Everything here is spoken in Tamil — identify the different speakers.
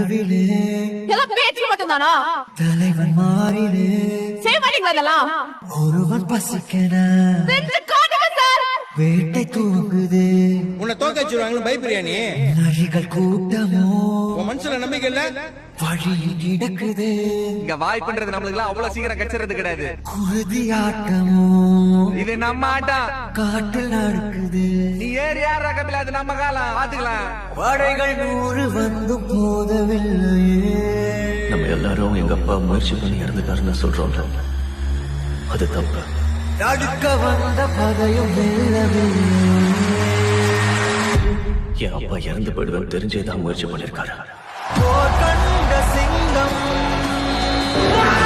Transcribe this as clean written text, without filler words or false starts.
Speaker 1: நடுவிலே
Speaker 2: எல்லாம் பேச்சு மட்டும்தானா?
Speaker 1: தலைவன் மாறிலே
Speaker 2: செய்ய மாட்டீங்களா இதெல்லாம்?
Speaker 1: ஒருவன் பசிக்கன
Speaker 2: செஞ்சு காட்டுங்க சார்.
Speaker 1: வேட்டை தூங்குது.
Speaker 3: உன்னை தோக்க வச்சிருவாங்களு பயப்படுறியா நீ?
Speaker 1: நரிகள் கூட்டமோ
Speaker 3: உன் மனசுல நம்பிக்கை இல்ல?
Speaker 1: வழியில் கிடக்குது.
Speaker 4: இங்க வாய்ப்புன்றது நம்மளுக்கு எல்லாம் அவ்வளவு சீக்கிரம் கச்சறது கிடையாது.
Speaker 1: குருதி ஆட்டமோ
Speaker 4: இது நம்ம ஆட்டம்.
Speaker 1: காட்டில் நடக்குது.
Speaker 4: நீ ஏறி யார் ரகமில்ல, அது நம்ம காலம். பாத்துக்கலாம்.
Speaker 1: படைகள் 100 வந்தும் போதவில்லையே.
Speaker 5: நம்ம எல்லாரும் எங்க அப்பா முயற்சி பண்ணி இறந்துட்டாருன்னு சொல்றோம். அது தப்பு.
Speaker 1: தடுக்க வந்த பகையும் வெல்லவில்லை.
Speaker 5: என் அப்பா இறந்து போயிடுவேன் தெரிஞ்சேதான் முயற்சி பண்ணிருக்காரு.
Speaker 1: போர் கண்ட சிங்கம்